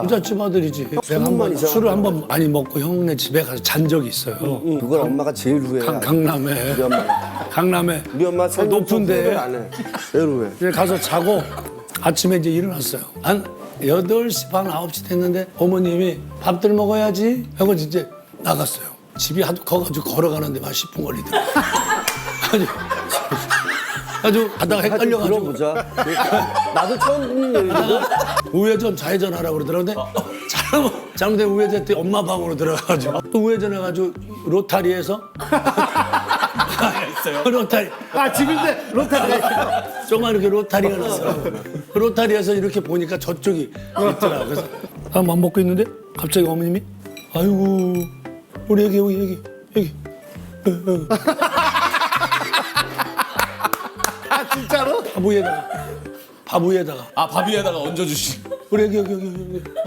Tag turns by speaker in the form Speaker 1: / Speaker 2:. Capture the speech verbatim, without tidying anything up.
Speaker 1: 부잣집 아들이지. 내가 한 번 술을 한 번 많이 먹고 형네 집에 가서 잔 적이 있어요.
Speaker 2: 그걸 엄마가 제일 후회해.
Speaker 1: 강, 강남에.
Speaker 2: 우리 엄마.
Speaker 1: 강남에.
Speaker 2: 우리 엄마
Speaker 1: 그 높은데
Speaker 2: 안 해. 제일 후회.
Speaker 1: 이제 가서 자고 아침에 이제 일어났어요. 한 여덟 시 반, 아홉 시 됐는데 어머님이 밥들 먹어야지 하고 이제 나갔어요. 집이 하도 커가지고 걸어가는데 막 십 분 걸리더라고요. 아주, 아주 가다가 헷갈려가지고
Speaker 2: 들어보자. 나도 처음 듣는 얘기거든.
Speaker 1: 우회전 좌회전 하라고 그러더라고요. 근데 잘못, 잘못된 우회전 했더니 엄마 방으로 들어가가지고 또 우회전 해가지고 로타리에서 로타리
Speaker 3: 아 집인데 로타리.
Speaker 1: 조그만 이렇게 로타리가 났어요. 그 로타리에서 이렇게 보니까 저쪽이 있더라. 그래서 밥 안 먹고 있는데 갑자기 어머님이 아이고 우리 애기 여기 여기 여기
Speaker 3: 아 진짜로?
Speaker 1: 밥 위에다가 밥 위에다가
Speaker 4: 아, 밥 위에다가 얹어주시.
Speaker 1: 우리 애기 여기 여기 여기